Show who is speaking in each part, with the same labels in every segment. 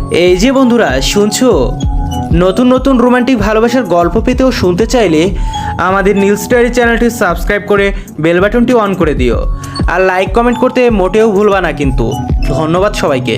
Speaker 1: এই যে বন্ধুরা শুনছো, নতুন নতুন রোমান্টিক ভালোবাসার গল্প পেতেও শুনতে চাইলে আমাদের নিউজ স্টারি চ্যানেলটি সাবস্ক্রাইব করে বেল বাটনটি অন করে দিও। আর লাইক কমেন্ট করতে মোটেও ভুলবা না কিন্তু। ধন্যবাদ সবাইকে।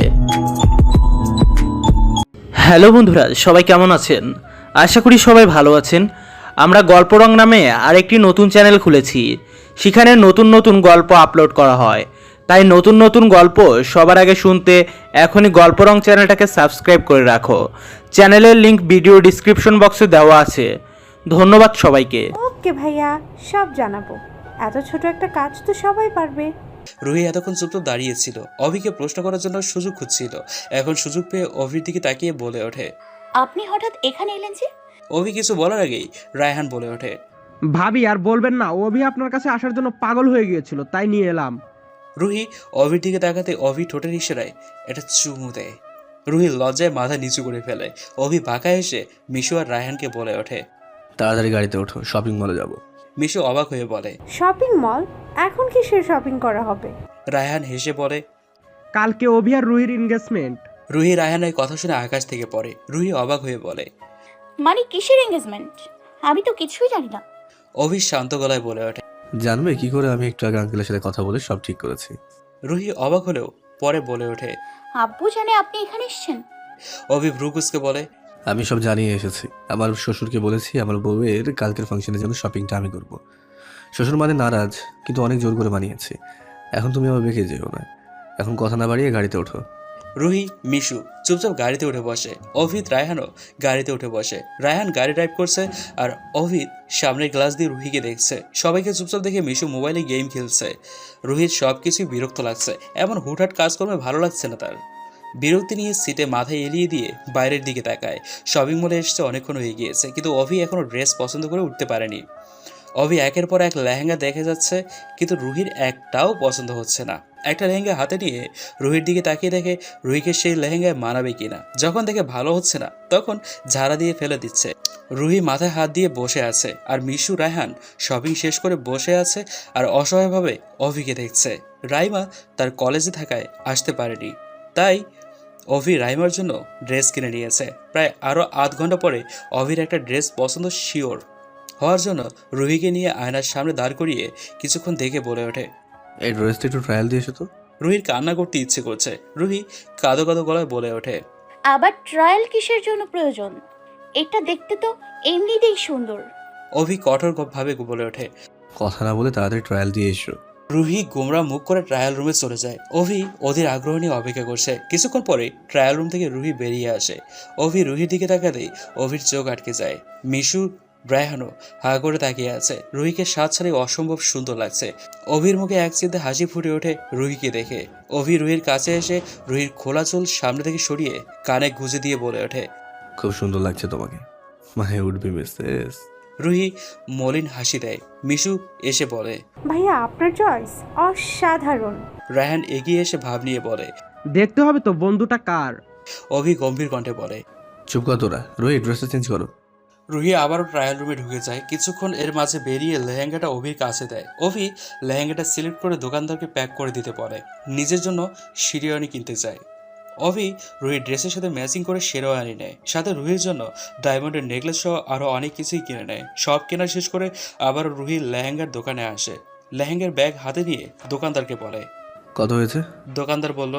Speaker 1: হ্যালো বন্ধুরা, সবাই কেমন আছেন? আশা করি সবাই ভালো আছেন। আমরা গল্প রং নামে আরেকটি নতুন চ্যানেল খুলেছি। সেখানে নতুন নতুন গল্প আপলোড করা হয়। তাই নতুন নতুন গল্প সবার আগে শুনতে এখনই গল্প রং চ্যানেলটাকে সাবস্ক্রাইব করে রাখো। চ্যানেলের লিংক ভিডিও ডিসক্রিপশন বক্সে দেওয়া আছে। ধন্যবাদ সবাইকে।
Speaker 2: ওকে ভাইয়া, সব জানাবো। এত ছোট একটা কাজ তো সবাই পারবে।
Speaker 3: রুহি এতক্ষণ চুপচাপ দাঁড়িয়েছিল, অভিকে প্রশ্ন করার জন্য সুযোগ খুঁজছিল। এখন সুযোগ পেয়ে অভির দিকে তাকিয়ে বলে ওঠে,
Speaker 4: আপনি হঠাৎ এখানে এলেন যে?
Speaker 3: অভি কিছু বলার আগেই রায়হান বলে ওঠে,
Speaker 5: ভাবি আর বলবেন না, অভি আপনার কাছে আসার জন্য পাগল হয়ে গিয়েছিল, তাই নিয়ে এলাম।
Speaker 3: রুহি অভির দিকে তাকাতে অভি ঠোঁটের ইশারায় এটা চুমু দেয়। রুহি লজ্জায় মাথা নিচু করে ফেলে। অভি বাঁকা এসে মিশু আর রায়হানকে বলে ওঠে,
Speaker 6: তাড়াতাড়ি গাড়িতে ওঠো, শপিং মলে যাব।
Speaker 3: মিশু অবাক হয়ে বলে,
Speaker 2: শপিং মল? এখন কিসের শপিং করা হবে?
Speaker 3: রায়হান হেসে বলে,
Speaker 5: কালকে অভি আর রুহির এনগেজমেন্ট।
Speaker 3: রুহি রায়হানের কথা শুনে আকাশ থেকে পড়ে। রুহি অবাক হয়ে বলে,
Speaker 4: মানে কিসের এঙ্গেজমেন্ট? আমি তো কিছুই জানি না।
Speaker 3: অভি শান্ত গলায় বলে ওঠে।
Speaker 6: জানবে কি করে? আমি একটু আগে আঙ্কেলের সাথে কথা বলে সব ঠিক করেছি।
Speaker 3: রুহি অবাক হলেও পরে বলে ওঠে।
Speaker 4: আব্বু জানে আপনি এখানে এসেছেন?
Speaker 3: অভি ভ্রুকুসকে বলে,
Speaker 6: আমি সব জানিয়ে এসেছি। আমার শ্বশুরকে বলেছি আমার বউয়ের কালকের ফাংশনের জন্য শপিংটা আমি করব। শ্বশুর মানে নারাজ, কিন্তু অনেক জোর করে মানিয়েছি। এখন তুমি আমার বেঁকে যেও না। এখন কথা না বাড়িয়ে গাড়িতে ওঠো।
Speaker 3: রুহি মিশু চুপচাপ গাড়িতে উঠে বসে। অভিত রায়হানও গাড়িতে উঠে বসে। রায়হান গাড়ি ড্রাইভ করছে আর অভিত সামনের গ্লাস দিয়ে রুহিকে দেখছে। সবাইকে চুপচাপ দেখে মিশু মোবাইলে গেম খেলছে। রুহির সব কিছুই বিরক্ত লাগছে। এমন হুটহাট কাজকর্মে ভালো লাগছে না তার। বিরক্তি নিয়ে সিটে মাথায় এলিয়ে দিয়ে বাইরের দিকে তাকায়। শপিং মলে এসছে অনেকক্ষণ হয়ে গিয়েছে, কিন্তু অভি এখনও ড্রেস পছন্দ করে উঠতে পারেনি। অভি একের পর এক লেহেঙ্গা দেখে যাচ্ছে, কিন্তু রুহির একটাও পছন্দ হচ্ছে না। একটা লেহেঙ্গা হাতে নিয়ে রুহির দিকে তাকিয়ে দেখে রুহিকে সেই লেহেঙ্গায় মানাবে কিনা। যখন দেখে ভালো হচ্ছে না, তখন ঝাড়া দিয়ে ফেলে দিচ্ছে। রুহি মাথায় হাত দিয়ে বসে আছে, আর মিশু রায়হান শপিং শেষ করে বসে আছে আর অসহায়ভাবে অভিকে দেখছে। রাইমা তার কলেজে থাকায় আসতে পারেনি, তাই অভি রাইমার জন্য ড্রেস কিনে নিয়েছে। প্রায় আরও আধ ঘন্টা পরে অভির একটা ড্রেস পছন্দ শিওর হওয়ার জন্য রুহিকে নিয়ে আয়নার সামনে দাঁড় করিয়ে কিছুক্ষণ দেখে বলে ওঠে,
Speaker 6: এই ড্রেসটা একটু ট্রায়াল দিয়ে এসো তো।
Speaker 3: রুহির কান্না করতে ইচ্ছে করছে। রুহি কাঁদো কাঁদো গলায় বলে ওঠে,
Speaker 4: আবার ট্রায়াল কিসের জন্য প্রয়োজন? এটা দেখতে তো এমনিতেই সুন্দর।
Speaker 3: অভি কঠোর ভাবে বলে ওঠে।
Speaker 6: কথা না বলে তাড়াতাড়ি ট্রায়াল দিয়ে এসো।
Speaker 3: রুহি গোমরা মুখ করে ট্রায়াল রুমে চলে যায়। অভি ওদের আগ্রহ নিয়ে অপেক্ষা করছে। কিছুক্ষণ পরে ট্রায়াল রুম থেকে রুহি বেরিয়ে আসে। অভি রুহির দিকে তাকাতেই অভির চোখ আটকে যায়। মিশু রায়হানও হা করে তাকিয়ে আছে। রুহিকে সাত সারে অসম্ভব সুন্দর লাগছে। অভির মুখে এক চিন্তে হাসি ফুটে ওঠে রুহিকে দেখে। অভি রুহির কাছে এসে রুহির খোলা চুল সামনে থেকে সরিয়ে কানে গুঁজে দিয়ে বলে ওঠে,
Speaker 6: খুব সুন্দর লাগছে তোমাকে, my would be missus.
Speaker 3: Ruhi মলিন হাসি দেয়। মিশু এসে বলে,
Speaker 2: ভাইয়া আপনার চয়েস অসাধারণ।
Speaker 3: রায়হান এগিয়ে এসে ভাব নিয়ে বলে।
Speaker 5: দেখতে হবে তো বন্ধুটা কার।
Speaker 3: অভি গম্ভীর কণ্ঠে বলে।
Speaker 6: চুপ কর তোরা, রোহি ড্রেসটা চেঞ্জ করো।
Speaker 3: রুহি আবারও ট্রায়াল রুমে ঢুকে যায়। কিছুক্ষণ এর মাঝে বেরিয়ে লেহেঙ্গাটা অভির কাছে দেয়। অভি লেহেঙ্গাটা সিলেক্ট করে দোকানদারকে প্যাক করে দিতে পারে। নিজের জন্য শিরোয়ানি কিনতে যায়। অভি রুহির ড্রেসের সাথে ম্যাচিং করে শেরওয়ানি নেয়। সাথে রুহির জন্য ডায়মন্ডের নেকলেস সহ আরও অনেক কিছুই কিনে নেয়। সব কেনা শেষ করে আবার রুহি লেহেঙ্গার দোকানে আসে। লেহেঙ্গার ব্যাগ হাতে নিয়ে দোকানদারকে বলে।
Speaker 6: কত হয়েছে?
Speaker 3: দোকানদার বলল,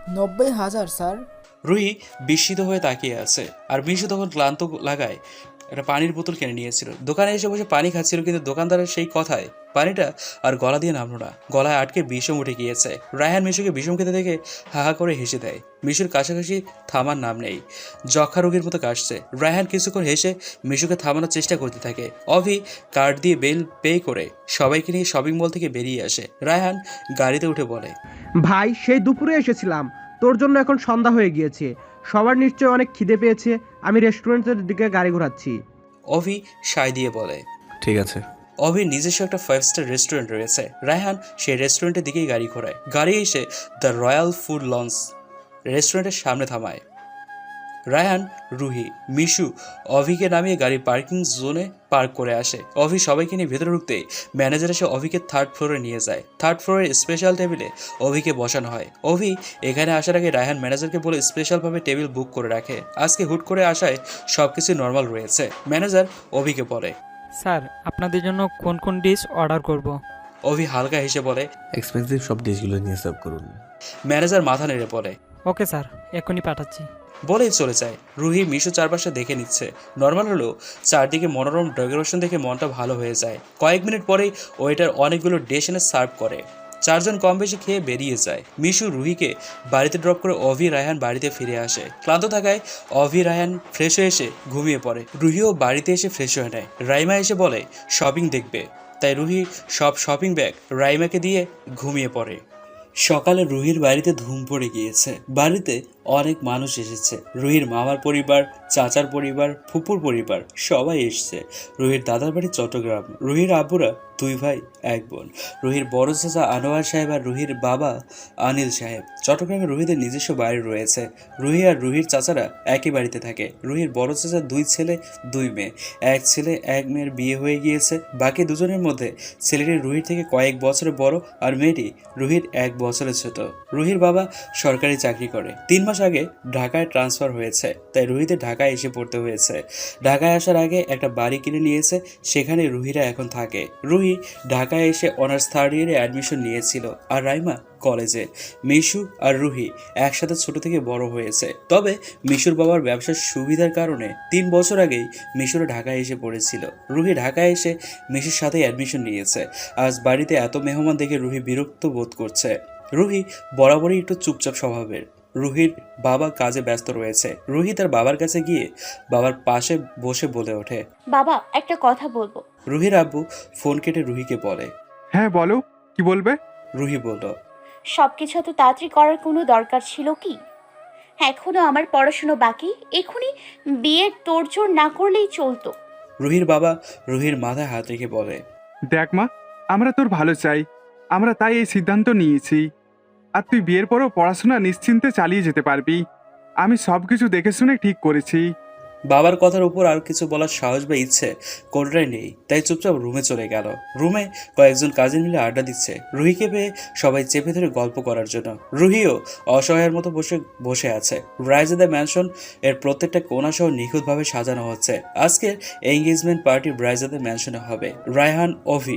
Speaker 7: 90,000 স্যার।
Speaker 3: রুহি বিস্মিত হয়ে তাকিয়ে আছে। আর মিশু তখন ক্লান্ত লাগায় একটা পানির বোতল কিনে নিয়েছিল। দোকানে এসে বসে পানি খাচ্ছিল, কিন্তু দোকানদারের সেই কথায় পানিটা আর গলা দিয়ে নামলো না। গলায় আটকে বিষম উঠে গিয়েছে। রায়হান মিশুকে বিষম খেতে দেখে হাহা করে হেসে দেয়। মিশুর কাছাকাছি থামার নাম নেই, যক্ষা রোগীর মতো কাশছে। রায়হান কিছুক্ষণ হেসে মিশুকে থামানোর চেষ্টা করতে থাকে। অভি কার্ড দিয়ে বিল পে করে সবাইকে নিয়ে শপিং মল থেকে বেরিয়ে আসে। রায়হান গাড়িতে উঠে বলে,
Speaker 5: ভাই সেই দুপুরে এসেছিলাম, তোর জন্য এখন সন্ধ্যা হয়ে গিয়েছে। সবার নিশ্চয়ই অনেক খিদে পেয়েছে, আমি রেস্টুরেন্টের দিকে গাড়ি ঘোরাচ্ছি।
Speaker 3: অভি সায় দিয়ে বলে।
Speaker 6: ঠিক আছে।
Speaker 3: অভির নিজস্ব একটা 5 স্টার রেস্টুরেন্ট রয়েছে। রায়হান সেই রেস্টুরেন্টের দিকেই গাড়ি ঘোরায়। গাড়ি এসে দ্য রয়্যাল ফুড লঞ্চ রেস্টুরেন্টের সামনে থামায়। রায়হান, রুহি, মিশু অভিকে নামিয়ে গাড়ি পার্কিং জোনে পার্ক করে আসে। অভি সবাইকে নিয়ে ভেতরে ঢুকতেই ম্যানেজার এসে অভিকে থার্ড ফ্লোরে নিয়ে যায়। থার্ড ফ্লোরের স্পেশাল টেবিলে অভিকে বসানো হয়। অভি এখানে আসার আগে রায়হান ম্যানেজারকে বলে স্পেশালভাবে টেবিল বুক করে রাখে। আজকে হুট করে আসায় সব কিছু নর্মাল রয়েছে। ম্যানেজার অভিকে বলে,
Speaker 8: স্যার আপনাদের জন্য কোন কোন ডিশ অর্ডার করব।
Speaker 3: অভি হালকা হেসে বলে,
Speaker 6: এক্সপেন্সিভ সব ডিশগুলো নিয়ে সার্ভ করুন।
Speaker 3: ম্যানেজার মাথা নেড়ে বলে,
Speaker 8: ওকে স্যার এখনই পাঠাচ্ছি।
Speaker 3: বলেই চলে যায়। রুহি, মিশু চারপাশে দেখে নিচ্ছে। নর্মাল হলেও চারদিকে মনোরম ডেকোরেশন দেখে মনটা ভালো হয়ে যায়। কয়েক মিনিট পরেই ওয়েটার অনেকগুলো ডিশ এনে সার্ভ করে। চারজন কম বেশি খেয়ে বেরিয়ে যায়। মিশু রুহিকে বাড়িতে ড্রপ করে অভি রায়হান বাড়িতে ফিরে আসে। ক্লান্ত থাকায় অভি রায়হান ফ্রেশ হয়ে এসে ঘুমিয়ে পড়ে। রুহিও বাড়িতে এসে ফ্রেশ হয়ে নেয়। রাইমা এসে বলে শপিং দেখবে, তাই রুহি সব শপিং ব্যাগ রাইমাকে দিয়ে ঘুমিয়ে পড়ে। সকালে রুহির বাড়িতে ধুম পড়ে গিয়েছে। বাড়িতে অনেক মানুষ এসেছে। রুহির মামার পরিবার, চাচার পরিবার, ফুপুর পরিবার সবাই এসছে। রুহির দাদার বাড়ি চট্টগ্রাম। রুহির আব্বুরা 2 ভাই 1 বোন। রুহির বড় চাচা আনোয়ার সাহেব আর রুহির বাবা আনিল সাহেব। চট্টগ্রামে রুহিদের নিজস্ব বাড়ি রয়েছে। রুহি আর রুহির চাচারা একই বাড়িতে থাকে। রুহির বড় চাচা 2 ছেলে 2 মেয়ে। 1 ছেলে 1 মেয়ের বিয়ে হয়ে গিয়েছে। বাকি দুজনের মধ্যে ছেলেটি রুহির থেকে কয়েক বছরের বড় আর মেয়েটি রুহির 1 বছরের ছোট। রুহির বাবা সরকারি চাকরি করে। 3 মাস আগে ঢাকায় ট্রান্সফার হয়েছে, তাই রুহিদের ঢাকায় এসে পড়তে হয়েছে। ঢাকায় আসার আগে একটা বাড়ি কিনে নিয়েছে, সেখানে রুহিরা এখন থাকে। রুহি ঢাকায় এসে অনার্স 3rd ইয়ারে অ্যাডমিশন নিয়েছিল আর রাইমা কলেজে। মিশু আর রুহি একসাথে ছোট থেকে বড় হয়েছে। তবে মিশুর বাবার ব্যবসার সুবিধার কারণে 3 বছর আগেই মিশুরা ঢাকায় এসে পড়েছিল। রুহি ঢাকায় এসে মিশুর সাথে অ্যাডমিশন নিয়েছে। আজ বাড়িতে এত মেহমান দেখে রুহি বিরক্ত বোধ করছে। রুহি বরাবরই একটু চুপচাপ স্বভাবের। রুহির বাবা কাজে ব্যস্ত রয়েছে। রুহি তার বাবার কাছে গিয়ে বাবার পাশে বসে বলে ওঠে,
Speaker 4: বাবা একটা কথা বলবো।
Speaker 3: রুহির আব্বু ফোন কেটে রুহিকে বলে।
Speaker 9: হ্যাঁ বলো, কি বলবে?
Speaker 3: রুহি বলল,
Speaker 4: সবকিছু এত তাড়াতাড়ি করার কোনো দরকার ছিল কি? এখনো আমার পড়াশুনো বাকি, এখনই বিয়ের তোড়জোড় না করলেই চলতো।
Speaker 3: রুহির বাবা রুহির মাথায় হাত রেখে বলে,
Speaker 9: দেখ মা, আমরা তোর ভালো চাই, আমরা তাই এই সিদ্ধান্ত নিয়েছি। আর তুই বিয়ের পরও পড়াশোনা নিশ্চিন্তে চালিয়ে যেতে পারবি। আমি সব কিছু দেখে শুনে ঠিক করেছি।
Speaker 3: বাবার কথার উপর আর কিছু বলার সাহস বা ইচ্ছে কোনটাই নেই, তাই চুপচাপ রুমে চলে গেল। রুমে কয়েকজন কাজিন মিলে আড্ডা দিচ্ছে। রুহিকে পেয়ে সবাই চেপে ধরে গল্প করার জন্য। রুহিও অসহায়ের মতো বসে আছে। ব্রাইজাদা ম্যানশন এর প্রত্যেকটা কোণা সহ নিখুঁতভাবে সাজানো হচ্ছে। আজকের এঙ্গেজমেন্ট পার্টি ব্রাইজাদা ম্যানশনে হবে। রায়হান, অভি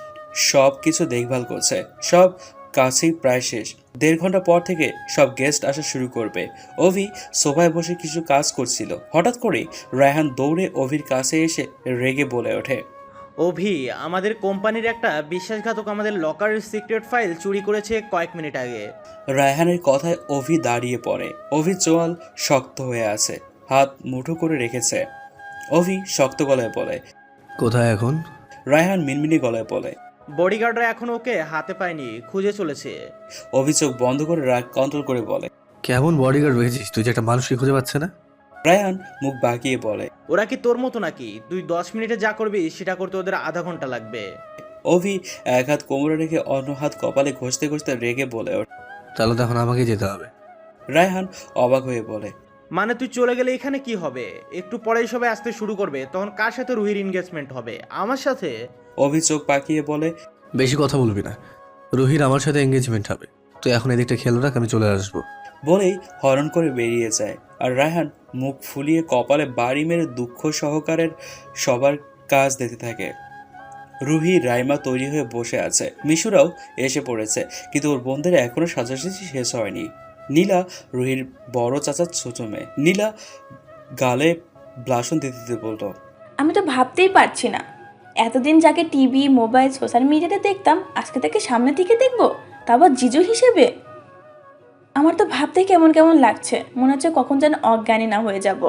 Speaker 3: সব কিছু দেখভাল করছে। সব কাছেই প্রায় শেষ। 1.5 ঘন্টা পর থেকে সব গেস্ট আসা শুরু করবে। অভি সোফায় বসে কিছু কাজ করছিল। হঠাৎ করে রায়হান দৌড়ে অভির কাছে এসে রেগে বলে ওঠে,
Speaker 1: অভি, আমাদের কোম্পানির একটা বিশ্বাসঘাতক আমাদের লকারের সিক্রেট ফাইল চুরি করেছে কয়েক মিনিট আগে।
Speaker 3: রায়হানের কথায় অভি দাঁড়িয়ে পড়ে। অভির চোয়াল শক্ত হয়ে আছে, হাত মুঠো করে রেখেছে। অভি শক্ত গলায় বলে,
Speaker 6: কোথায় এখন?
Speaker 3: রায়হান মিনমিনি গলায় বলে,
Speaker 1: বডিগার্ডরা এখন ওকে হাতে পায়নি, খুঁজে চলেছে।
Speaker 3: অভি চোখ বন্ধ করে রাগ কন্ট্রোল করে বলে,
Speaker 6: কেমন বডিগার্ড রেখেছিস তুই যে একটা মানুষকে খুঁজে পাচ্ছে না?
Speaker 3: রায়হান মুখ বাঁকিয়ে বলে,
Speaker 1: ওরা কি তোর মতো নাকি? তুই 10 মিনিটে যা করবি সেটা করতে ওদের আধা ঘন্টা লাগবে।
Speaker 3: অভি এক হাত কোমরে রেখে অন্য হাত কপালে ঘষতে ঘষতে রেগে বলে ওঠে।
Speaker 6: তাহলে তো এখন আমাকে যেতে হবে।
Speaker 3: রায়হান অবাক হয়ে বলে,
Speaker 1: মানে তুই চলে গেলে এখানে কি হবে? একটু পরেই সবাই আসতে শুরু করবে, তখন কার সাথে রুহির এনগেজমেন্ট হবে? আমার সাথে?
Speaker 3: অভি চোখ পাকিয়ে বলে,
Speaker 6: বেশি কথা বলবি না, রুহির আমার সাথে এঙ্গেজমেন্ট হবে। তুই এখন এদিকটা খেয়াল রাখ, আমি চলে আসবো।
Speaker 3: বলেই হরণ করে বেরিয়ে যায়। আর রায়হান মুখ ফুলিয়ে কপালে বাড়ি মেরে দুঃখ সহকারের সবার কাজ দেখতে থাকে। রুহি রাইমা তৈরি হয়ে বসে আছে। মিশুরাও এসে পড়েছে, কিন্তু ওর বোনদের এখনো সাজাসাজি শেষ হয়নি। নীলা রুহির বড় চাচার ছোট মেয়ে। নীলা গালে ব্লাশন দিতে দিতে বলতো,
Speaker 10: আমি তো ভাবতেই পারছি না, এতদিন যাকে টিভি, মোবাইল, সোশ্যাল মিডিয়াতে দেখতাম, আজকে তাকে সামনে থেকে দেখবো, তারপর জিজু হিসেবে। আমার তো ভাবতেই কেমন কেমন লাগছে, মনে হচ্ছে কখন যেন অজ্ঞানী না হয়ে যাব।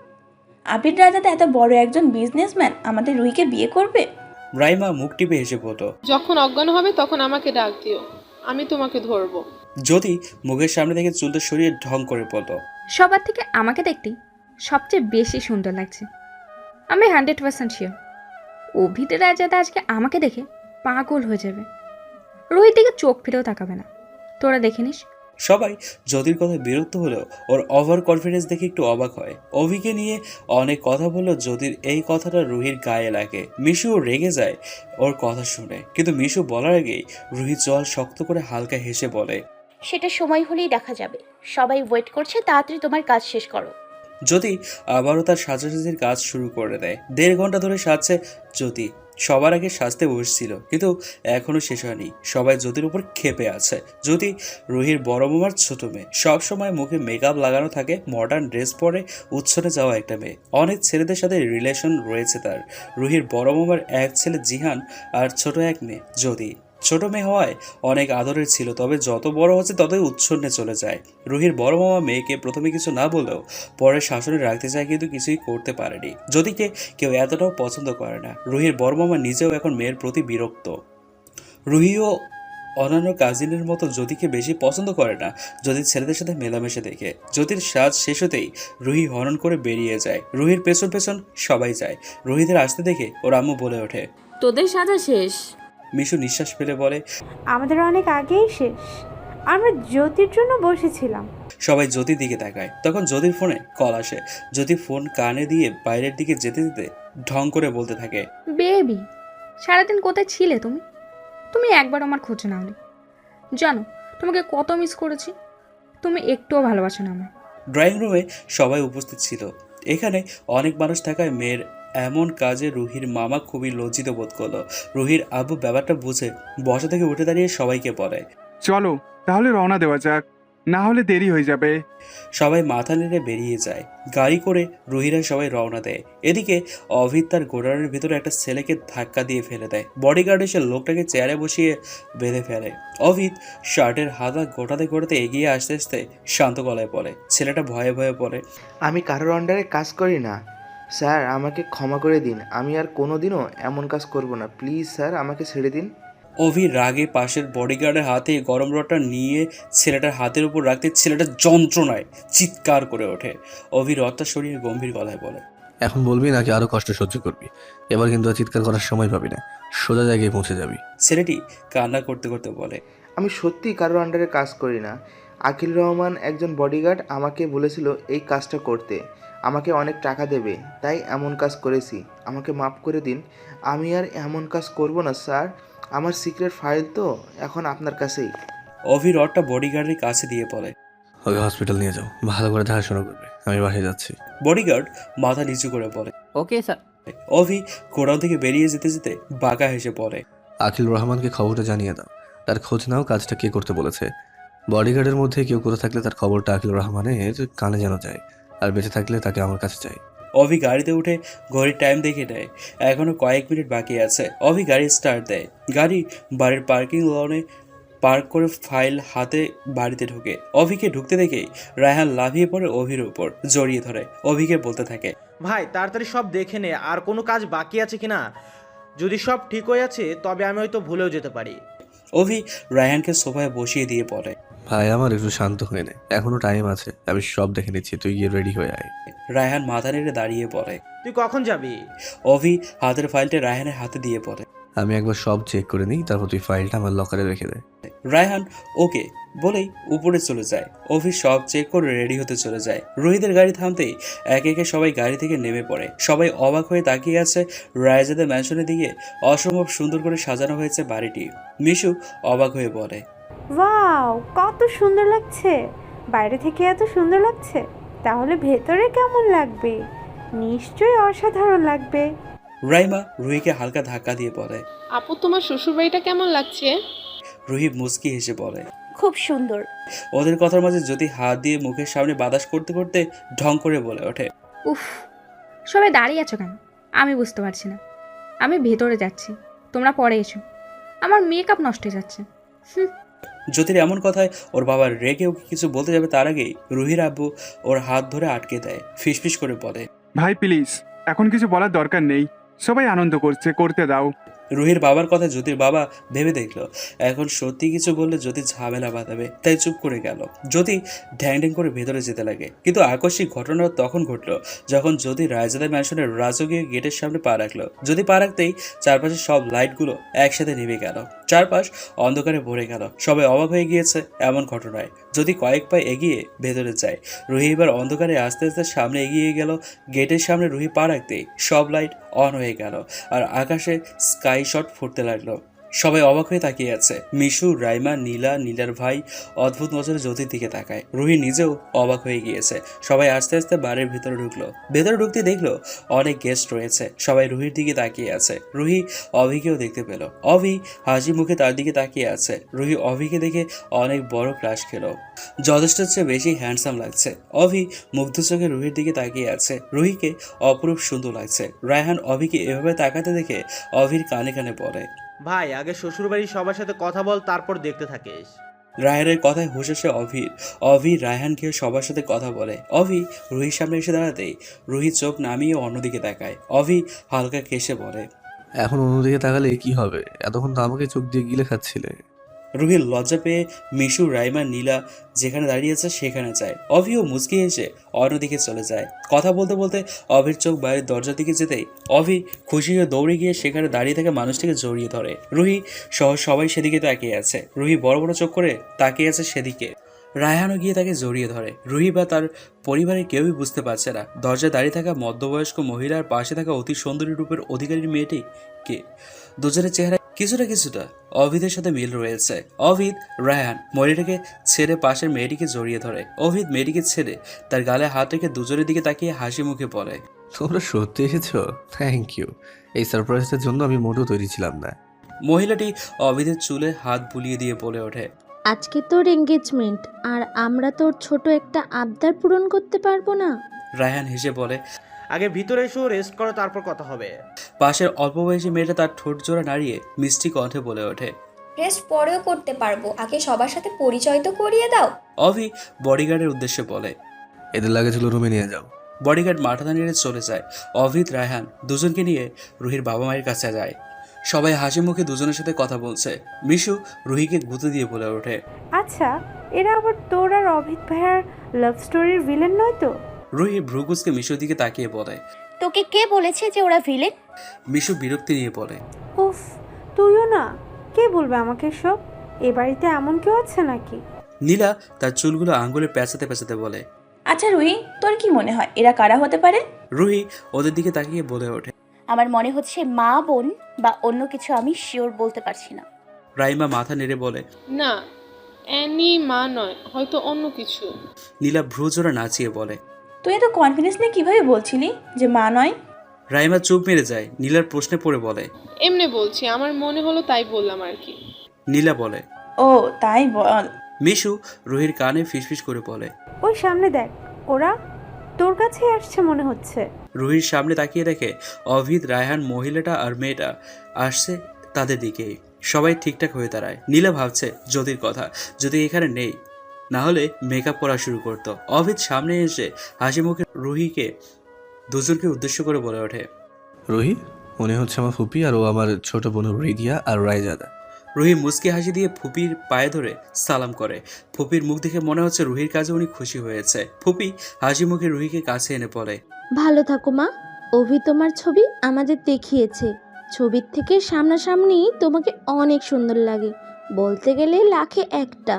Speaker 10: আবির রাজাতে এত বড় একজন বিজনেসম্যান আমাদের রুহিকে বিয়ে করবে?
Speaker 3: রাইমা মুখ টিপে হেসে বলতো,
Speaker 11: যখন অজ্ঞান হবে তখন আমাকে ডাক দিও, আমি তোমাকে ধরবো।
Speaker 3: যদি মুখের সামনে থেকে চুলটা সরিয়ে ঢং করে বলতো,
Speaker 12: সবার থেকে আমাকে দেখতে সবচেয়ে বেশি সুন্দর লাগছে। আমি 100% শিওর অভিতে রাজাদা আজকে আমাকে দেখে পাগল হয়ে যাবে, রোহিত দিকে চোখ ফিরেও তাকাবে না। তোরা দেখে নিস,
Speaker 3: সবাই জ্যোতির কথায় বিরক্ত হলেও ওর ওভার কনফিডেন্স দেখে একটু অবাক হয়। অভিকে নিয়ে অনেক কথা বললেও জ্যোতির এই কথাটা রুহির গায়ে লাগে। মিশুও রেগে যায় ওর কথা শুনে, কিন্তু মিশু বলার আগেই রুহি জল শক্ত করে হালকা হেসে বলে,
Speaker 4: সেটা সময় হলেই দেখা যাবে। সবাই ওয়েট করছে, তাড়াতাড়ি তোমার কাজ শেষ করো।
Speaker 3: জ্যোতি আবারও তার সাজাসাজির কাজ শুরু করে দেয়। 1.5 ঘন্টা ধরে সাজছে জ্যোতি। সবার আগে সাজতে বসছিল, কিন্তু এখনো শেষ হয়নি। সবাই জ্যোতির উপর ক্ষেপে আছে। জ্যোতি রুহির বড় মামার ছোট মেয়ে, সবসময় মুখে মেকআপ লাগানো থাকে, মডার্ন ড্রেস পরে উচ্ছনে যাওয়া একটা মেয়ে। অনেক ছেলেদের সাথে রিলেশন রয়েছে তার। রুহির বড় মামার এক ছেলে জিহান আর ছোট এক মেয়ে জ্যোতি। ছোট মেয়ে হওয়ায় অনেক আদরের ছিল, তবে যত বড় হচ্ছে ততই উচ্ছন্নে চলে যায়। রুহির বড় মামা মেয়েকে প্রথমে কিছু না বলেও পরে শাসনে রাখতে চায়, কিন্তু কিছুই করতে পারেনি। যদিকে কেউ এতটাও পছন্দ করে না। রুহির বড় মামা নিজেও এখন মেয়ের প্রতি বিরক্ত। রুহিও অন্যান্য কাজিনের মতো জ্যোতিকে বেশি পছন্দ করে না। জ্যোতির ছেলেদের সাথে মেলামেশা দেখে জ্যোতির সাজ শেষ হতেই রুহি হরণ করে বেরিয়ে যায়। রুহির পেছন পেছন সবাই যায়। রুহিদের আসতে দেখে ওর আম্মু বলে ওঠে,
Speaker 10: তোদের সাজা শেষ।
Speaker 3: মিশু নিঃশ্বাস ফেলে বলে,
Speaker 2: আমাদের অনেক আগেই শেষ। আমরা জ্যোতির জন্য বসেছিলাম।
Speaker 3: সবাই জ্যোতির দিকে তাকায়। তখন জ্যোতির ফোনে কল আসে। জ্যোতি ফোন কানে দিয়ে বাইরের দিকে যেতে যেতে ঢং করে বলতে থাকে,
Speaker 12: বেবি, সারাদিন কোথায় ছিলে তুমি? তুমি একবার আমার খোঁজ নাওনি। জানো তোমাকে কত মিস করেছি। তুমি একটুও ভালোবাসো না আমায়।
Speaker 3: ড্রয়িং রুমে সবাই উপস্থিত ছিল। এখানে অনেক মানুষ থাকায় মেয়ের এমন কাজে রুহির মামা খুবই লজ্জিত বোধ করলো। রুহির আব্বু ব্যাপারটা বুঝে বসা থেকে উঠে দাঁড়িয়ে সবাইকে বলে,
Speaker 9: চলো তাহলে রওনা দেওয়া যাক, না হলে দেরি হয়ে যাবে।
Speaker 3: সবাই মাথা নেড়ে বেরিয়ে যায়। গাড়ি করে রুহিরা সবাই রওনা দেয়। এদিকে অভিত তার গোডাউনের ভিতরে একটা ছেলেকে ধাক্কা দিয়ে ফেলে দেয়। বডিগার্ড এসে লোকটাকে চেয়ারে বসিয়ে বেঁধে ফেলে। অভিত শার্টের হাতা গোটাতে গোটাতে এগিয়ে আসতে আসতে শান্ত গলায় বলে। ছেলেটা ভয়ে ভয়ে বলে,
Speaker 13: আমি কারোর আন্ডারে কাজ করি না স্যার, আমাকে ক্ষমা করে দিন। আমি আর কোনোদিনও এমন কাজ করব না। প্লিজ স্যার, আমাকে ছেড়ে দিন।
Speaker 3: অভি রাগে পাশের বডিগার্ডের হাতে গরম রডটা নিয়ে ছেলেটার হাতের উপর রাখতে ছেলেটা যন্ত্রণায় চিৎকার করে ওঠে। অভি রডটা সরিয়ে গম্ভীর গলায় বলে,
Speaker 6: এখন বলবি নাকি আরো কষ্ট সহ্য করবি? এবার কিন্তু আর চিৎকার করার সময় পাবি না, সোজা জায়গায় পৌঁছে যাবি।
Speaker 3: ছেলেটি কান্না করতে করতে বলে,
Speaker 13: আমি সত্যি কারোর আন্ডারে কাজ করি না। আকিল রহমান একজন বডিগার্ড আমাকে বলেছিল এই কাজটা করতে, আমাকে অনেক টাকা দেবে, তাই এমন কাজ করেছি। আমাকে মাফ করে দিন। আমি আর এমন কাজ করব না স্যার। আমার সিক্রেট ফাইল তো এখন আপনার কাছেই।
Speaker 3: অভি রডটা বডিগার্ডের কাছে দিয়ে বলে,
Speaker 6: ওকে হসপিটাল নিয়ে যাও, ভালো করে দেখাশোনা করবে। আমি বাসায় যাচ্ছি।
Speaker 3: বডিগার্ড মাথা নিচু করে বলে,
Speaker 8: ওকে স্যার।
Speaker 3: অভি গোডাউন থেকে বেরিয়ে যেতে যেতে বাঁকা হেসে পড়ে,
Speaker 6: আখিল রহমানকে খবরটা জানিয়ে দাও। তার খোঁজ নাও, কাজটা কে করতে বলেছে। বডিগার্ডের মধ্যে কেউ করে থাকলে তার খবরটা আখিল রহমানের কানে যেন যায়, আর বেঁচে থাকলে তাকে আমার কাছে চাই।
Speaker 3: অভি গাড়িতে উঠে ঘড়ির টাইম দেখে নেয়। এখনো কয়েক মিনিট বাকি আছে। অভি গাড়ি স্টার্ট দেয়। গাড়ি বাড়ির পার্কিং লনে পার্ক করে ফাইল হাতে বাড়িতে ঢোকে। অভিকে ঢুকতে দেখেই রায়হান লাফিয়ে পড়ে অভির উপর, জড়িয়ে ধরে। অভিকে বলতে থাকে,
Speaker 1: ভাই তাড়াতাড়ি সব দেখে নে, আর কোনো কাজ বাকি আছে কিনা। যদি সব ঠিক হয়ে আছে তবে আমি হয়তো ভুলেও যেতে পারি।
Speaker 3: অভি রায়হানকে সোফায় বসিয়ে দিয়ে পড়ে,
Speaker 6: ভাই আমার একটু শান্ত হয়ে নে, এখনো টাইম আছে, আমি সব দেখে নিচ্ছি, তুই গিয়ে রেডি হয়ে আয়।
Speaker 3: রায়হান মাথা নেড়ে দাঁড়িয়ে পড়ে।
Speaker 1: তুই কখন যাবি?
Speaker 3: অভি হাতের ফাইলটা রায়হানের হাতে দিয়ে পড়ে।
Speaker 6: আমি একবার সব চেক করে নিই, তারপর তুই ফাইলটা আমার লকারে রেখে দে।
Speaker 3: রায়হান ওকে বলেই উপরে চলে যায়। অভি সব চেক করে রেডি হতে চলে যায়। রোহিতের গাড়ি থামতেই একে একে সবাই গাড়ি থেকে নেমে পড়ে। সবাই অবাক হয়ে তাকিয়ে আছে রায়জাদের ম্যানশনের দিকে। অসম্ভব সুন্দর করে সাজানো হয়েছে বাড়িটি। মিশু অবাক হয়ে বলে,
Speaker 2: ওয়াও, কত সুন্দর লাগছে। বাইরে থেকে এত সুন্দর লাগছে, তাহলে ভেতরে কেমন লাগবে? নিশ্চয়ই অসাধারণ লাগবে।
Speaker 3: রাইমা রুহিকে হালকা ধাক্কা দিয়ে বলে,
Speaker 11: আপু, তোমার শ্বশুরবাড়িটা কেমন লাগছে?
Speaker 3: রুহি মুচকি হেসে বলে,
Speaker 4: খুব সুন্দর।
Speaker 3: ওদের কথার মাঝে যদি হাত দিয়ে মুখের সামনে বাতাস করতে করতে ঢং করে বলে ওঠে,
Speaker 12: উফ, সবাই দাঁড়িয়ে আছো কেন? আমি বুঝতে পারছি না। আমি ভেতরে যাচ্ছি, তোমরা পরে এসো। আমার মেকআপ নষ্ট হয়ে যাচ্ছে।
Speaker 3: জ্যোতির এমন কথায় ওর বাবা রেগে ওকে কিছু বলতে যাবে তার আগেই রুহির আব্বু ওর হাত ধরে আটকে দেয়। ফিসফিস করে বলে,
Speaker 9: ভাই প্লিজ, এখন কিছু বলার দরকার নেই। সবাই আনন্দ করছে, করতে দাও।
Speaker 3: রুহির বাবার কথা জ্যোতির বাবা ভেবে দেখলো এখন সত্যি কিছু বললে জ্যোতি ঝামেলা বাঁধাবে, তাই চুপ করে গেল। জ্যোতি ঢ্যাং ঢ্যাং করে ভেতরে যেতে লাগে, কিন্তু আকস্মিক ঘটনা তখন ঘটলো যখন জ্যোতি রায়জাদা ম্যানশনের রাজকীয় গেটের সামনে পা রাখলো। যদি পা রাখতেই চারপাশে সব লাইটগুলো একসাথে নেমে গেল, চারপাশ অন্ধকারে ভরে গেল। সবাই অবাক হয়ে গিয়েছে এমন ঘটনায়। যদি কয়েক পা এগিয়ে ভেতরে যায়, রুহি এবার অন্ধকারে আস্তে আস্তে সামনে এগিয়ে গেল। গেটের সামনে রুহি পা রাখতেই সব লাইট অন হয়ে গেল আর আকাশে স্কাই শট ফুটতে লাগলো। সবাই অবাক হয়ে তাকিয়ে আছে। মিশু, রাইমা, নীলার ভাই অদ্ভুত নজরে জ্যোতির দিকে তাকায়। রুহি নিজেও অবাক হয়ে গিয়েছে। সবাই আস্তে আস্তে বাড়ির ভিতরে ঢুকলো। ভেতরে ঢুকতে দেখলো অনেক গেস্ট রয়েছে। সবাই রুহির দিকে তাকিয়ে আছে। রুহি অভিকেও দেখতে পেল। অভি হাসি মুখে তার দিকে তাকিয়ে আছে। রুহি অভিকে দেখে অনেক বড় ক্রাশ খেলো। যথেষ্ট চেয়ে বেশি হ্যান্ডসাম লাগছে। অভি মুগ্ধ চোখে রুহির দিকে তাকিয়ে আছে। রুহিকে অপরূপ সুন্দর লাগছে। রায়হান অভিকে এভাবে তাকাতে দেখে অভির কানে কানে বলে,
Speaker 1: ভাই আগে শ্বশুরবাড়ির সবার সাথে কথা বল, তারপর দেখতে থাকিস।
Speaker 3: রায়হানের কথায় হুঁশ আসে অভির। অভি রায়হানকে সবার সাথে কথা বলে। অভি রুহির সামনে এসে দাঁড়াতেই রুহি চোখ নামিয়ে অন্যদিকে তাকায়। অভি হালকা কেসে বলে,
Speaker 6: এখন অন্যদিকে তাকালে কি হবে? এতক্ষণ তো আমাকে চোখ দিয়ে গিলে খাচ্ছিলে।
Speaker 3: রুহির লজ্জা পেয়ে মিশু, রাইমা, নীলা যেখানে দাঁড়িয়েছে সেখানে যায়। অভিও মুচকি এসে অন্যদিকে চলে যায়। কথা বলতে বলতে অভির চোখ বাইরের দরজার দিকে যেতেই অভি খুশি হয়ে দৌড়ে গিয়ে সেখানে দাঁড়িয়ে থাকা মানুষটিকে জড়িয়ে ধরে। রুহি সহ সবাই সেদিকে তাকিয়ে আছে। রুহি বড় বড় চোখ করে তাকিয়ে আছে সেদিকে। রায়হানও গিয়ে তাকে জড়িয়ে ধরে। রুহি বা তার পরিবারের কেউই বুঝতে পারছে না দরজায় দাঁড়িয়ে থাকা মধ্যবয়স্ক মহিলার পাশে থাকা অতি সুন্দরী রূপের অধিকারী মেয়েটি কে। দুজনের চেহারা কিছুটা অভিদের সাথে মিল রয়েছে। অভিদ রায়হান মহিলাটাকে ছেড়ে পাশের মেয়েটিকে জড়িয়ে ধরে। অভিদ মেয়েটিকে ছেড়ে তার গালে হাত রেখে দুজনের দিকে তাকিয়ে হাসি মুখে বলে,
Speaker 6: তোমরা সত্যি এসেছো? Thank you. এই সারপ্রাইজটার জন্য আমি মোটেও তৈরি ছিলাম না।
Speaker 3: মহিলাটি অভিদের চুলে হাত বুলিয়ে দিয়ে বলে ওঠে,
Speaker 14: আজকে তোর এঙ্গেজমেন্ট আর আমরা তোর ছোট একটা আবদার পূরণ করতে পারবো না?
Speaker 3: রায়হান হেসে বলে,
Speaker 1: আগে ভিতরে এসো, রেস্ট করো, তারপর কথা হবে।
Speaker 3: পাশের অল্প বয়সী মেয়েটা তার ঠোঁট জোড়া নাড়িয়ে মিষ্টি কণ্ঠে বলে ওঠে,
Speaker 15: রেস্ট পরেও করতে পারবো, আগে সবার সাথে পরিচয় তো করিয়ে দাও।
Speaker 3: অভি বডিগার্ডের উদ্দেশ্যে বলে,
Speaker 6: এদের লাগেজগুলো রুমে নিয়ে যাও।
Speaker 3: বডিগার্ড মাথা নাড়িয়ে চলে যায়। অভিদ রায়হান দুজনকে নিয়ে রুহির বাবা মায়ের কাছে যায়। সবাই হাসি মুখে দুজনের সাথে কথা বলছে। মিশু রুহিকে গুঁতো দিয়ে বলে ওঠে,
Speaker 2: আচ্ছা, এরা আবার তোর আর অভিত ভাইয়ার লাভ স্টোরির ভিলেন নয় তো?
Speaker 3: রুহি ভ্রুকুচকে মিশুর দিকে তাকিয়ে বলে,
Speaker 4: তোকে কে বলেছে যে ওরা ভিলেন?
Speaker 3: মিশু বিরক্তি নিয়ে বলে,
Speaker 2: উফ, তুইও না, কে বলবে আমাকে সব? এ বাড়িতে এমন কেউ আছে নাকি?
Speaker 3: নীলা তার চুলগুলো আঙ্গুলে পেঁচাতে পেঁচাতে বলে,
Speaker 10: আচ্ছা রুহি, তোর কি মনে হয় এরা কারা হতে পারে?
Speaker 3: রুহি ওদের দিকে তাকিয়ে বলে ওঠে,
Speaker 4: আমার মনে হচ্ছে মা, বোন বা অন্য কিছু, আমি শিওর বলতে পারছি না।
Speaker 3: রাইমা মাথা নেড়ে বলে,
Speaker 11: না, অ্যানি মা নয়, হয়তো অন্য কিছু।
Speaker 3: নীলা ভ্রু জোড়া নাচিয়ে বলে,
Speaker 10: তুই এত কনফিডেন্স নিয়ে কিভাবে বলছিলি যে মা নয়?
Speaker 3: রাইমা চুপ মেরে যায়। নীলার প্রশ্নে পড়ে বলে,
Speaker 11: এমনি বলছি, আমার মনে হলো তাই বললাম আর কি।
Speaker 3: নীলা বলে,
Speaker 10: ও তাই বল।
Speaker 3: মিশু রুহির কানে ফিসফিস করে বলে,
Speaker 2: ওই সামনে দেখ, ওরা তোর কাছেই আসছে মনে হচ্ছে।
Speaker 3: রুহির সামনে তাকিয়ে দেখে অভিদ, রায়হান, মহিলাটা আর মেয়েটা আসছে তাদের দিকেই। সবাই ঠিকঠাক হয়ে দাঁড়ায়। নীলা ভাবছে জ্যোতির কথা, যদি এখানে নেই, না হলে মেকআপ করা শুরু করতো। অভিদ সামনে এসে হাসি মুখে রুহিকে দুজনকে উদ্দেশ্য করে বলে ওঠে,
Speaker 6: রুহি, মনে হচ্ছে আমার ফুপি আর ও আমার ছোট বোন রিদিয়া আর রায়জাদা।
Speaker 3: রুহি মুচকি হাসি দিয়ে ফুপির পায়ে ধরে সালাম করে। ফুপির মুখ দেখে মনে হচ্ছে রুহির কাজে উনি খুশি হয়েছে। ফুপি হাসি মুখে রুহিকে কাছে এনে পড়ে,
Speaker 14: ভালো থাকো মা। অভি তোমার ছবি আমাদের দেখিয়েছে। ছবির থেকে সামনাসামনি তোমাকে অনেক সুন্দর লাগে, বলতে গেলে লাখে একটা।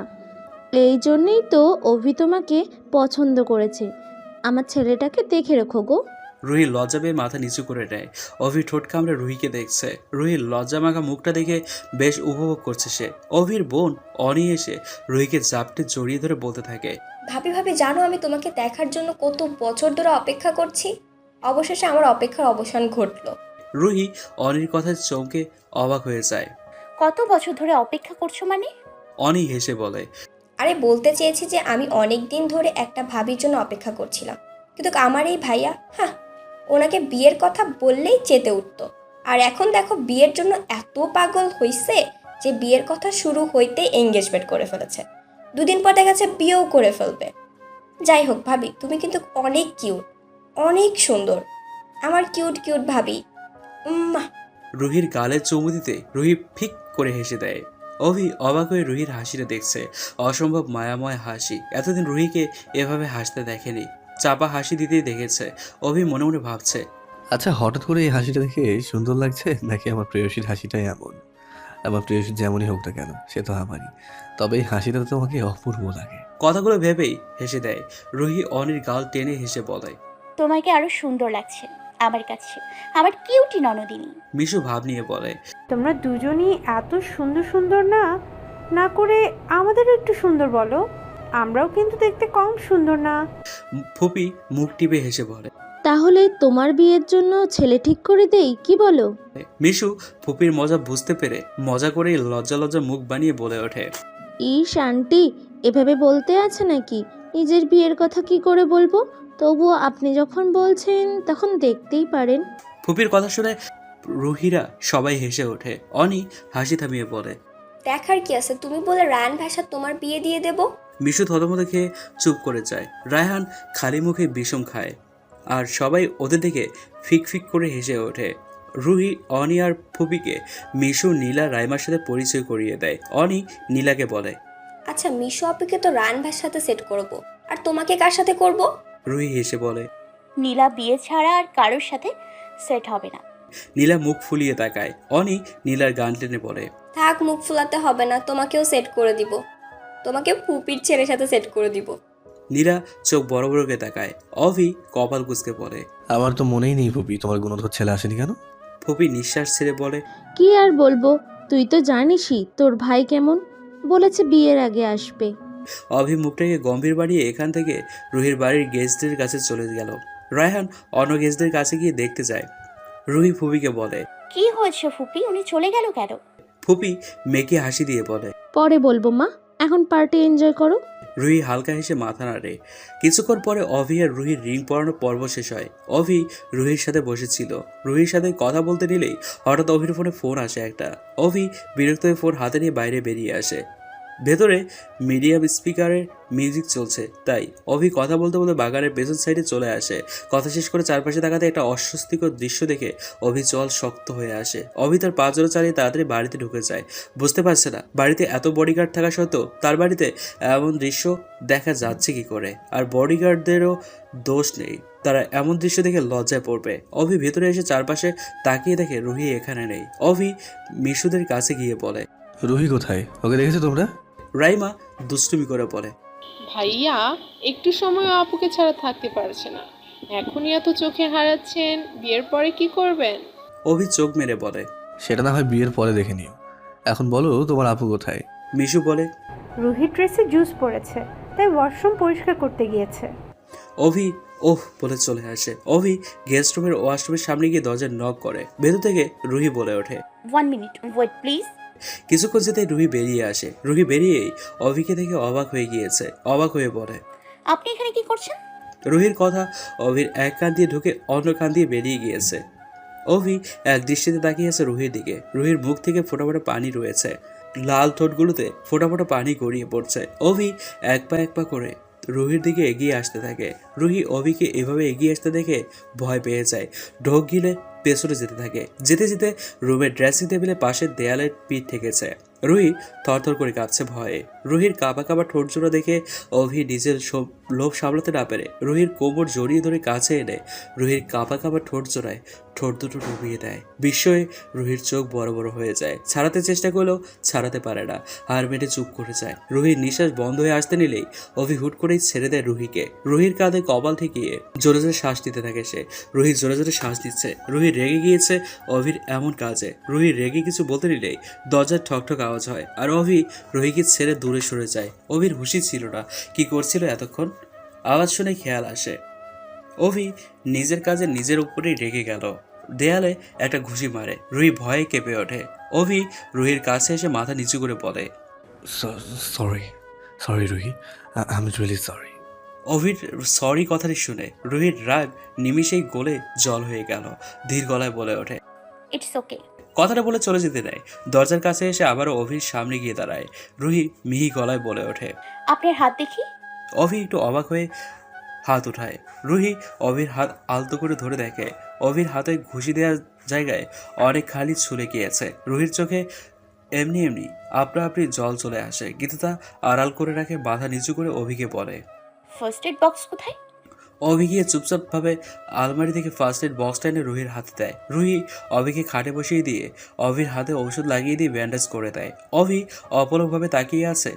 Speaker 14: এই জন্যই তো অভি তোমাকে পছন্দ করেছে। আমার ছেলেটাকে দেখে রেখো গো।
Speaker 3: রুহি লজ্জা পেয়ে মাথা নিচু করে নেয়। অভি ঠোঁট কামড়ে রুহিকে দেখছে। রুহির লজ্জা মাখা মুখটা দেখে বেশ উপভোগ করছে সে। অভির বোন অনি এসে রুহিকে জাপটে জড়িয়ে ধরে বলতে থাকে,
Speaker 15: ভাবি ভাবি, জানো আমি তোমাকে দেখার জন্য কত বছর ধরে অপেক্ষা করছি। অবশেষে আমার অপেক্ষার অবসান ঘটলো।
Speaker 3: রুহি অনির কথায় চমকে অবাক হয়ে যায়।
Speaker 4: কত বছর ধরে অপেক্ষা করছো মানে?
Speaker 3: অনি হেসে বলে,
Speaker 15: আরে বলতে চেয়েছি যে আমি অনেক দিন ধরে একটা ভাবির জন্য অপেক্ষা করছিলাম, কিন্তু আমার এই ভাইয়া, হ্যাঁ, ওনাকে বিয়ের কথা বললেই চেতে উঠতো। আর এখন দেখো বিয়ের জন্য এত পাগল হইছে যে বিয়ের কথা শুরু হইতে এঙ্গেজমেন্ট করে ফেলেছে। দুদিন পর দেখা যাচ্ছে বিয়েও করে ফেলবে। যাই হোক ভাবি, তুমি কিন্তু অনেক কিউট, অনেক সুন্দর, আমার কিউট কিউট ভাবি।
Speaker 3: রুহির গালে চুমু দিতে রুহি ফিক করে হেসে দেয়। অভি অবাক হয়ে রুহির হাসিটা দেখছে, অসম্ভব মায়াময় হাসি। এতদিন রুহিকে এভাবে হাসতে দেখেনি, চাপা হাসি দিতেই দেখেছে। অভি মনে মনে ভাবছে,
Speaker 6: আচ্ছা, হঠাৎ করে এই হাসিটা দেখে সুন্দর লাগছে নাকি আমার প্রেয়সীর হাসিটাই এমন? আমার প্রেয়সী যেমনই হোক না কেন, সে তো আমারই, তবে এই হাসিটা তো তোমাকে অপূর্ব লাগে।
Speaker 3: কথাগুলো ভেবেই হেসে দেয়। রুহি অনির গাল টেনে হেসে বলে,
Speaker 4: তোমাকে আরো সুন্দর লাগছে আমার কাছে, আমার কিউটি ননদিনী।
Speaker 3: মিশু ভাব নিয়ে বলে,
Speaker 2: তোমরা দুজনই এত সুন্দর সুন্দর না না করে আমাদেরও একটু সুন্দর বলো, আমরাও কিন্তু দেখতে কম সুন্দর না।
Speaker 3: ফুপি মুখ টিপে হেসে বলে।
Speaker 14: তাহলে তোমার বিয়ের জন্য ছেলে ঠিক করে দেই, কি বলো?
Speaker 3: মিশু ফুপির মজা বুঝতে পেরে মজা করেই লজ্জা লজ্জা মুখ বানিয়ে বলে ওঠে,
Speaker 14: ইস আন্টি, এভাবে বলতে আছে নাকি? নিজের বিয়ের কথা কি করে বলবো? তবুও আপনি যখন বলছেন তখন দেখতেই পারেন।
Speaker 3: ফুপির কথা শুনে রুহিরা সবাই হেসে ওঠে। অনি হাসি থামিয়ে বলে,
Speaker 15: দেখার কি আছে, তুমি বলে রায়ান ভাষা তোমার বিয়ে দিয়ে দেব।
Speaker 3: মিশু থতমত খেয়ে চুপ করে যায়। রায়হান খালি মুখে বিষম খায়, আর সবাই ওদের দিকে ফিক ফিক করে হেসে ওঠে। রুহি অনি আর ফুপিকে মিশু, নীলা, রাইমার সাথে পরিচয় করিয়ে দেয়। অনি নীলাকে বলে,
Speaker 15: আচ্ছা মিশু আপুকে তো রায়ান ভাইয়ের সাথে সেট করব, আর তোমাকে কার সাথে করব?
Speaker 3: রুহি হেসে বলে।
Speaker 4: নীলা বিয়ে ছাড়া আর কারোর সাথে সেট হবে না।
Speaker 3: নীলা মুখ ফুলিয়ে তাকায়। অনি নীলার গান টেনে বলে,
Speaker 15: থাক, মুখ ফুলাতে হবে না, তোমাকেও সেট করে দিব, তোমাকে ফুপির ছেলের সাথে সেট করে দিব।
Speaker 3: নীলা চোখ বড় বড় করে তাকায়। অভি কপাল কুঁচকে বলে,
Speaker 6: আমার তো মনেই নেই ফুপি, তোমার গুণধর ছেলে আসেনি কেন?
Speaker 3: ফুপি নিঃশ্বাস ছেড়ে বলে,
Speaker 14: কি আর বলবো, তুই তো জানিসই তোর ভাই কেমন, বলেছে বিয়ের আগে আসবে।
Speaker 3: অভি মুখটাকে গম্ভীর বাড়িয়ে এখান থেকে রুহির বাড়ির গেস্টদের কাছে চলে গেল। রায়হান অন্য গেস্টদের কাছে গিয়ে দেখতে যায়। রুহি ফুপিকে বলে,
Speaker 4: কি হয়েছে ফুপি, উনি চলে গেল কেন?
Speaker 3: ফুপি মেয়েকে হাসি দিয়ে বলে,
Speaker 14: পরে বলবো মা, এখন পার্টি এনজয় করো।
Speaker 3: রুহি হালকা হেসে মাথা নাড়ে। কিছুক্ষণ পরে অভি আর রুহির রিং পরানোর পর্ব শেষ হয়। অভি রুহির সাথে বসেছিল। রুহির সাথে কথা বলতে নিলেই হঠাৎ অভির ফোনে ফোন আসে একটা। অভি বিরক্ত হয়ে ফোন হাতে নিয়ে বাইরে বেরিয়ে আসে। ভেতরে মিডিয়াম স্পিকারে মিউজিক চলছে, তাই অভি কথা বলতে বলতে বাগানের পেছন সাইডে চলে আসে। কথা শেষ করে চারপাশে তাকাতে একটা অস্বস্তিকর দৃশ্য দেখে অভি চল শক্ত হয়ে আসে। অভি তার পা জোড়া চালিয়ে তাড়াতাড়ি বাড়িতে ঢুকে যায়। বুঝতে পারছে না বাড়িতে এত বডিগার্ড থাকা সত্ত্বেও তার বাড়িতে এমন দৃশ্য দেখা যাচ্ছে কি করে। আর বডিগার্ডদেরও দোষ নেই, তারা এমন দৃশ্য দেখে লজ্জায় পড়বে। অভি ভেতরে এসে চারপাশে তাকিয়ে দেখে রুহি এখানে নেই। অভি মিশুদের কাছে গিয়ে বলে,
Speaker 6: রুহি কোথায়? ওকে দেখেছো তোমরা?
Speaker 3: রাইমা দুষ্টুমি করে বলে,
Speaker 11: ভাইয়া একটু সময় আপুকে ছাড়া থাকতে পারছে না, এখনই এত চোখে হারাচ্ছেন, বিয়ের পরে কি করবেন?
Speaker 3: অভি চোখ মেরে বলে,
Speaker 6: সেটা না হয় বিয়ের পরে দেখে নিও, এখন বলো তোমার আপু কোথায়?
Speaker 3: মিশু বলে,
Speaker 2: রুহির ড্রেসে জুস পড়েছে, তাই ওয়াশরুম পরিষ্কার করতে গিয়েছে।
Speaker 3: অভি ওহ বলে চলে আসে। অভি গেস্ট রুমের ওয়াশরুমের সামনে গিয়ে দরজার নক করে। ভেতর থেকে রুহি বলে ওঠে,
Speaker 4: 1 মিনিট ওয়েট প্লিজ।
Speaker 3: কিছুক্ষণ যেতে রুহি বেরিয়ে আসে। রুহি বেরিয়েই অভিকে দেখে অবাক হয়ে গিয়েছে। অবাক হয়ে বলে,
Speaker 4: আপনি এখানে কি করছেন?
Speaker 3: রুহির কথা অভির এক কান দিয়ে ঢুকে অন্য কান দিয়ে বেরিয়ে গিয়েছে। অভি এক দৃষ্টিতে তাকিয়ে আছে রুহির দিকে। রুহির মুখ থেকে ফোঁটা ফোঁটা পানি রয়েছে, লাল ঠোঁটগুলোতে ফোঁটা ফোঁটা পানি গড়িয়ে পড়ছে। অভি এক পা করে রুহির দিকে এগিয়ে আসতে থাকে। রুহি অভিকে এভাবে এগিয়ে আসতে দেখে ভয় পেয়ে যায়। ঢোক গিলে পেছনে যেতে থাকে। যেতে যেতে রুমের ড্রেসিং টেবিলের পাশের দেয়ালের পিঠ ঠেকেছে। রুহি থরথর করে কাঁপছে ভয়ে। রুহির কাঁপা কাঁপা ঠোঁট জোড়া দেখে অভি নিজের লোভ সামলাতে না পেরে রুহির কোমর জড়িয়ে ধরে কাছে এনে রুহির কাঁপা কাঁপা ঠোঁট জোড়ায় ঠোঁট দুটো ডুবিয়ে দেয়। বিস্ময়ে রুহির চোখ বড় বড় হয়ে যায়। ছাড়াতে চেষ্টা করলেও ছাড়াতে পারে না, হার মেটে চুপ করে যায়। রুহির নিঃশ্বাস বন্ধ হয়ে আসতে নিলেই অভি হুট করেই ছেড়ে দেয় রুহিকে। রুহির কাঁধে কপাল ঠেকিয়ে জোরে জোরে শ্বাস দিতে থাকে সে। রুহি জোরে জোরে শ্বাস দিচ্ছে। রুহি রেগে গিয়েছে অভির এমন কাজে। রুহি রেগে কিছু বলতে নিলেই দরজার ঠকঠক আওয়াজ হয়, আর অভি রুহিকে ছেড়ে দূরে সরে যায়। অভির হুঁশি ছিল না কি করছিল এতক্ষণ। আওয়াজ শুনে খেয়াল আসে অভি নিজের কাজে নিজের উপরেই রেগে গেল। দেয়ালে একটা ঘুষি মারে। রুহি ভয়ে কেঁপে ওঠে। অভি রুহির কাছে এসে মাথা নিচু করে বলে,
Speaker 6: sorry Ruhi, I am really sorry.
Speaker 3: অভির সরি কথাটি শুনে রুহির রাগ নিমিষেই গলে জল হয়ে গেল। ধীর গলায় বলে ওঠে,
Speaker 4: ইটস ওকে।
Speaker 3: কথাটা বলে চলে যেতে দেয়। দরজার কাছে এসে আবারও অভির সামনে গিয়ে দাঁড়ায়। রুহি মিহি গলায় বলে ওঠে,
Speaker 4: আপনার হাত দেখি।
Speaker 3: অভি একটু অবাক হয়ে হাত উঠায়। রুহি অভির হাত আলতো করে ধরে দেখে অভির হাতে ঘুষি দেওয়ার জায়গায় অনেক খালি ছুলে গিয়েছে। রুহির চোখে এমনি এমনি আপনা আপনি জল চলে আসে, কিন্তু তা আড়াল করে রাখে, মাথা নিচু করে অভিকে বলে,
Speaker 4: ফার্স্ট এড বক্স কোথায়?
Speaker 3: অভি গিয়ে চুপচাপভাবে আলমারি থেকে ফার্স্ট এড বক্সটা এনে রুহির হাতে দেয়। রুহি অভিকে খাটে বসিয়ে দিয়ে অভির হাতে ঔষধ লাগিয়ে দিয়ে ব্যান্ডেজ করে দেয়। অভি অপলকভাবে তাকিয়ে আছে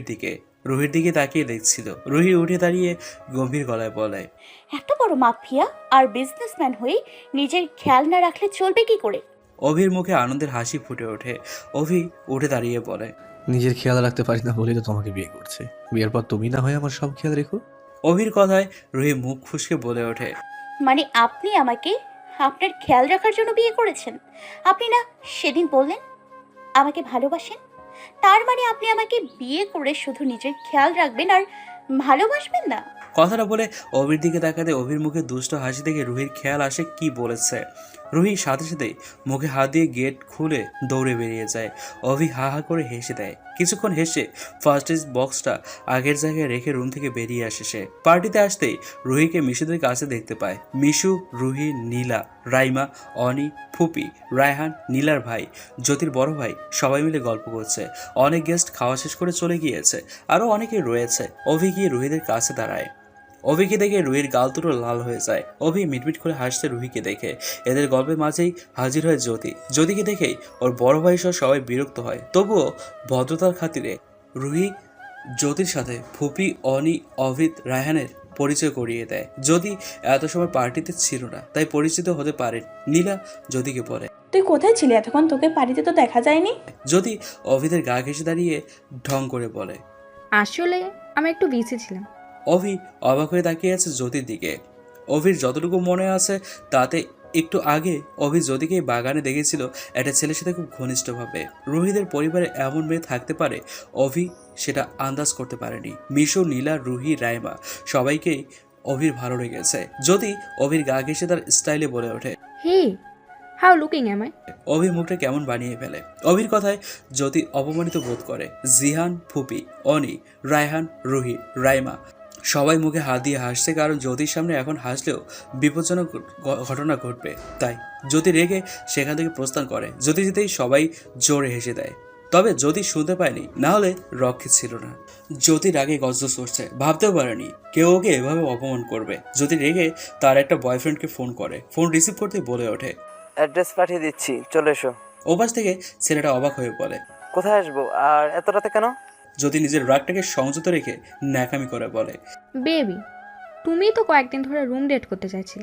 Speaker 3: রুহির দিকে তাকিয়ে দেখছিল। রুহি উঠে দাঁড়িয়ে গম্ভীর গলায় বলে,
Speaker 4: এত বড় মাফিয়া আর বিজনেসম্যান হয়ে নিজের খেয়াল না রাখলে চলবে কি করে?
Speaker 3: অভির মুখে আনন্দের হাসি ফুটে ওঠে। অভি উঠে দাঁড়িয়ে বলে,
Speaker 6: নিজের খেয়াল রাখতে পারি না বলেই তো তোমাকে বিয়ে করছে। বিয়ের পর তুমি না হয় আমার সব খেয়াল রেখো।
Speaker 3: অভির কথায় রুহি মুখ ফুসকে বলে ওঠে,
Speaker 4: মানে আপনি আমাকে আপনার খেয়াল রাখার জন্য বিয়ে করেছেন? আপনি না সেদিন বললেন আমাকে ভালোবাসেন? তার মানে আপনি আমাকে বিয়ে করে শুধু নিজের খেয়াল রাখবেন আর ভালোবাসবেন না?
Speaker 3: কথাটা বলে অভির দিকে তাকাতে অভির মুখে দুষ্ট হাসি দেখে রুহির খেয়াল আসে কি বলেছে। রুহি সাথে সাথে মুখে হাত দিয়ে গেট খুলে দৌড়ে বেরিয়ে যায়। অভি হা হা করে হেসে দেয়। কিছুক্ষণ হেসে ফার্স্ট এড বক্সটা আগের জায়গায় রেখে রুম থেকে বেরিয়ে আসে সে। পার্টিতে আসতেই রুহিকে মিশুদের কাছে দেখতে পায়। মিশু, রুহি, নীলা, রাইমা, অনি, ফুপি, রায়হান, নীলার ভাই, জ্যোতির বড় ভাই সবাই মিলে গল্প করছে। অনেক গেস্ট খাওয়া শেষ করে চলে গিয়েছে, আরও অনেকেই রয়েছে। অভি গিয়ে রুহিদের কাছে দাঁড়ায়। অভিকে দেখে রুহির গাল দুটো লাল হয়ে যায়। অভি মিটমিট করে হাসতে রুহিকে দেখে। এদের গল্পের মাঝেই হাজির হয় জ্যোতিকে দেখেই ওর বড় ভাই সহ সবাই বিরক্ত হয়। তবুও ভদ্রতার খাতিরে রুহি জ্যোতির সাথে ফুপি, অনি, অভিত, রায়হানের পরিচয় করিয়ে দেয়। জ্যোতি এত সময় পার্টিতে ছিল না, তাই পরিচিত হতে পারেন। নীলা জ্যোতিকে বলে,
Speaker 10: তুই কোথায় ছিলি এতক্ষণ? তোকে বাড়িতে তো দেখা যায়নি।
Speaker 3: জ্যোতি অভিদের গা ঘেঁষে দাঁড়িয়ে ঢং করে বলে,
Speaker 12: আসলে আমি একটু বিজি ছিলাম।
Speaker 3: অভি অবাক হয়ে তাকিয়ে আছে জ্যোতির দিকে। অভির যতটুকু মনে আছে তাতে একটু আগে অভি জ্যোতিকে বাগানে দেখেছিল একটা ছেলের সাথে খুব ঘনিষ্ঠভাবে। রুহিদের পরিবারে এমন মেয়ে থাকতে পারে অভি সেটা আন্দাজ করতে পারেনি। মিশু, নীলা, রুহি, রাইমা সবাইকেই অভির ভালো লেগেছে। জ্যোতি অভির গা ঘেঁষে তার স্টাইলে বলে ওঠে,
Speaker 12: hey, how looking am I?
Speaker 3: অভির মুখটা কেমন বানিয়ে ফেলে। অভির কথায় জ্যোতি অপমানিত বোধ করে। জিহান, ফুপি, অনি, রায়হান, রুহি, রাইমা সবাই মুখে হাত দিয়ে হাসছে, কারণ জ্যোতির সামনে এখন হাসলেও বিপজ্জনক ঘটনা ঘটবে। তাই জ্যোতি রেগে সেখান থেকে প্রস্থান করে। জ্যোতি যেতেই সবাই জোরে হেসে দেয়। তবে জ্যোতি শুনতে পায়নি, না হলে রক্ষে ছিল না। জ্যোতির আগে গজগজ করছে, ভাবতেও পারেনি কেউ ওকে এভাবে অপমান করবে। জ্যোতি রেগে তার একটা বয়ফ্রেন্ডকে ফোন করে। ফোন রিসিভ করতে বলে ওঠে,
Speaker 16: অ্যাড্রেস পাঠিয়ে দিচ্ছি, চলে এসো।
Speaker 3: ওপাশ থেকে ছেলেটা অবাক হয়ে বলে,
Speaker 16: কোথায় আসবো আর এত রাতে কেন?
Speaker 3: জ্যোতি নিজের রাগটাকে সংযত রেখে ন্যাকামি করে বলে,
Speaker 12: বেবি, তুমি তো কয়েকদিন ধরে রুম ডেট করতে চাইছিলে,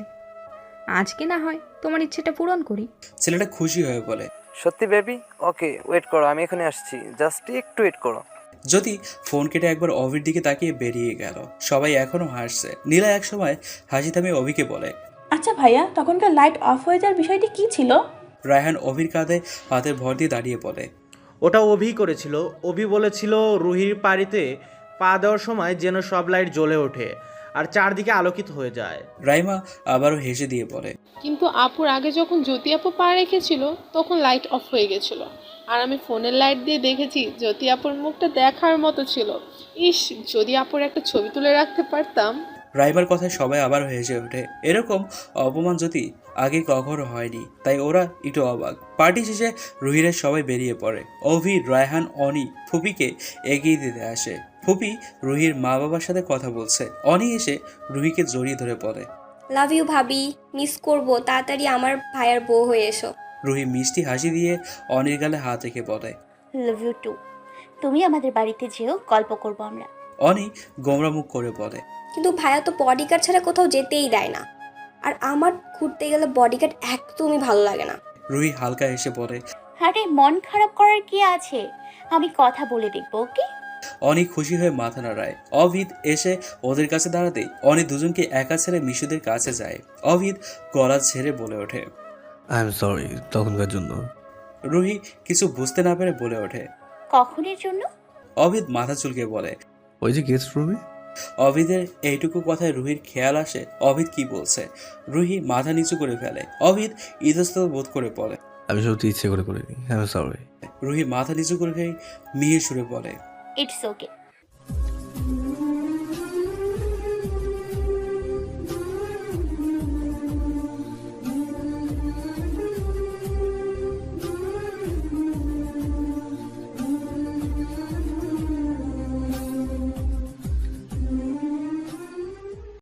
Speaker 12: আজকে না হয় তোমার ইচ্ছেটা পূরণ করি।
Speaker 3: ছেলেটা খুশি হয়ে বলে,
Speaker 16: সত্যি বেবি? ওকে, ওয়েট করো, আমি এখনই আসছি, জাস্ট একটু ওয়েট করো।
Speaker 3: জ্যোতি ফোন কেটে একবার অভির দিকে তাকিয়ে বেরিয়ে গেল। সবাই এখনো হাসছে। নীলা একসময় হাসি থামিয়ে অভিকে বলে,
Speaker 10: আচ্ছা ভাইয়া, তখনকার লাইট অফ হয়ে যাওয়ার বিষয়টি কি ছিল?
Speaker 3: রায়হান অভির কাঁধে হাতের ভর দিয়ে দাঁড়িয়ে বলে,
Speaker 1: ওটা অভি করেছিল। অভি বলেছিল রুহির পাড়িতে পা দেওয়ার সময় যেন সব লাইট জ্বলে ওঠে আর চারদিকে আলোকিত হয়ে যায়।
Speaker 3: রাইমা আবারও হেসে দিয়ে বলে,
Speaker 11: কিন্তু আপুর আগে যখন জ্যোতি আপু পা রেখেছিল তখন লাইট অফ হয়ে গেছিল, আর আমি ফোনের লাইট দিয়ে দেখেছি জ্যোতি আপুর মুখটা দেখার মতো ছিল। ইস, যদি আপুর একটা ছবি তুলে রাখতে পারতাম।
Speaker 3: রাইমার কথায় সবাই আবার হেসে ওঠে। এরকম অপমান জ্যোতি আগে কখনো হয়নি, তাই ওরা একটু অবাক। পার্টি শেষে রুহিরা সবাই বেরিয়ে পড়ে। অভি, রায়হান, অনি ফুপিকে এগিয়ে দিতে আসে। ফুপি রুহির মা বাবার সাথে কথা বলছে। অনি এসে রুহিকে জড়িয়ে ধরে পড়ে,
Speaker 15: লাভ ইউ ভাবি, মিস করবো, তাড়াতাড়ি আমার ভাইয়ার বউ হয়ে এসো।
Speaker 3: রুহি মিষ্টি হাসি দিয়ে অনির গালে হাত রেখে বলে,
Speaker 4: লাভ ইউ টু। তুমি আমাদের বাড়িতে যেও, গল্প করবো আমরা।
Speaker 3: অনি গোমরা মুখ করে বলে,
Speaker 15: কিন্তু ভাইয়া তো বডিগার্ড ছাড়া কোথাও যেতেই দেয় না, আর আমার ঘুরতে গেলে বডিগার্ড একদমই ভালো লাগে না।
Speaker 3: রুহি হালকা হেসে বলে,
Speaker 4: আরে মন খারাপ করার কি আছে, আমি কথা বলে দেখবো, ওকে?
Speaker 3: অনি খুশি হয়ে মাথা নাড়ায়। অভিদ এসে ওদের কাছে দাঁড়াতেই অনি দুজনকে একা ছেড়ে মিশুদের কাছে যায়। অভিদ গলা ছেড়ে বলে ওঠে,
Speaker 6: আই এম সরি তখনকার জন্য।
Speaker 3: রুহি কিছু বুঝতে না পেরে বলে ওঠে,
Speaker 4: কখনের জন্য?
Speaker 3: অভিদ মাথা চুলকে বলে,
Speaker 6: ওই যে গেস্ট রুমে।
Speaker 3: অভিদের এইটুকু কথায় রুহির খেয়াল আসে অভিদ কি বলছে। রুহি মাথা নিচু করে ফেলে। অভিদ ইতস্তত বোধ করে বলে,
Speaker 6: আমি সত্যি ইচ্ছে করে করিনি, আই এম সরি।
Speaker 3: রুহি মাথা নিচু করে মিহির সুরে বলে,
Speaker 4: ইটস ওকে,